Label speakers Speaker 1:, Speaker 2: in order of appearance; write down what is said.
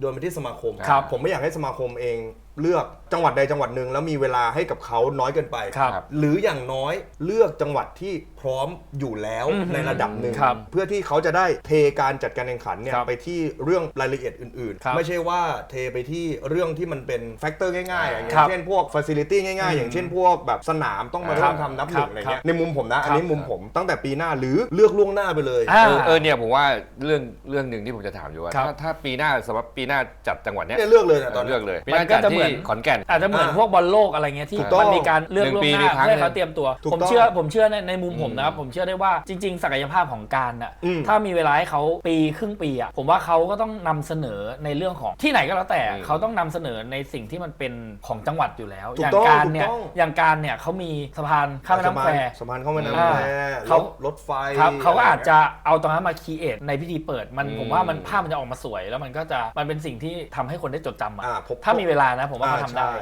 Speaker 1: โดนไปที่สมาคม
Speaker 2: ครับ
Speaker 1: ผมไม่อยากให้สมาคมเองเลือกจังหวัดใดจังหวัดหนึ่งแล้วมีเวลาให้กับเขาน้อยเกินไป
Speaker 2: ครับ
Speaker 1: หรืออย่างน้อยเลือกจังหวัดที่พร้อมอยู่แล้วในระดับหนึ่ง
Speaker 2: ครับ
Speaker 1: เพื่อที่เขาจะได้เทการจัดการแข่งขันเนี่ย
Speaker 2: ครับ
Speaker 1: ไปที่เรื่องรายละเอียดอื่น
Speaker 2: ครับ
Speaker 1: ๆไม่ใช่ว่าเทไปที่เรื่องที่มันเป็นแฟกเตอร์ง่ายๆอย่าง
Speaker 2: ครับ
Speaker 1: เช่นพวกฟ a ซิลิตี้ง่ายๆ อย่างเช่นพวกแบบสนามต้องมาเริ่มทำนับหนึ่งอะไรเงี้ยในมุมผมนะอันนี้มุมผมตั้งแต่ปีหน้าหรือเลือกล่วงหน้าไปเลย
Speaker 3: เนี่ยผมว่าเรื่องหนึ่งที่ผมจะถามอยู่ว่า
Speaker 2: ครับ
Speaker 3: ถ้าปีหน้าสำหรับปีหน้าจัดจังหวัดเนี้ย
Speaker 1: เนี่ยเลือกเลยนะตอนนี้
Speaker 3: เลือกเลยปีห
Speaker 2: มัน
Speaker 3: น้า
Speaker 2: ก็
Speaker 3: จัด
Speaker 2: จะเหมื
Speaker 3: ที่
Speaker 2: อน
Speaker 3: ขอนแก่น
Speaker 2: อาจจะเหมือนพวกบอลโลกอะไรเงี้ยที่
Speaker 1: ถูกต้อง
Speaker 2: มันมีการเลือกล่วงหน้า
Speaker 3: 1 ปีมีครั้ง
Speaker 2: เพื่อให้เขาเตรียมตัว
Speaker 1: ถูก
Speaker 2: ผม
Speaker 1: ต้อง
Speaker 2: เชื่อในมุมผมนะครับผมเชื่อได้ว่าจริง ๆ ศักยภาพของการน่ะ
Speaker 1: อืม
Speaker 2: ถ้ามีเวลาให้เขาปีครึ่งปีอ่ะผมว่าเขาก็ต้องนำเสนอในเรื่องของที่ไหนก็แล้วแต่เขาต้องนำเสนอในสิ่งที่มันเป็นของจังหวัดอยู่แล้ว
Speaker 1: ถู
Speaker 2: อก ย่าง
Speaker 1: ต้อง
Speaker 2: การเนี่ย
Speaker 1: ถูกต้อง
Speaker 2: อย่างการเนี่ยเขามีสะพานข้ามแม่น้ำแคว
Speaker 1: สะพานเข้าแม่น้ำ
Speaker 2: อ่า
Speaker 1: แคว
Speaker 2: เขา
Speaker 1: รถไฟ
Speaker 2: ครับเขาก็อาจจะเอาตรงนั้นมาคีเอทในพิธีเปิดมัน
Speaker 3: อืม
Speaker 2: ผมว่ามันภาพมันจะออกมาสวย แล้วมันก็จะมันเป็นสิ่งที่ทำให้คนได้จดจำอ่ะ
Speaker 1: อ่าผม
Speaker 2: ถ้ามีเวลานะผมว่าเขาทำได้
Speaker 1: ใช่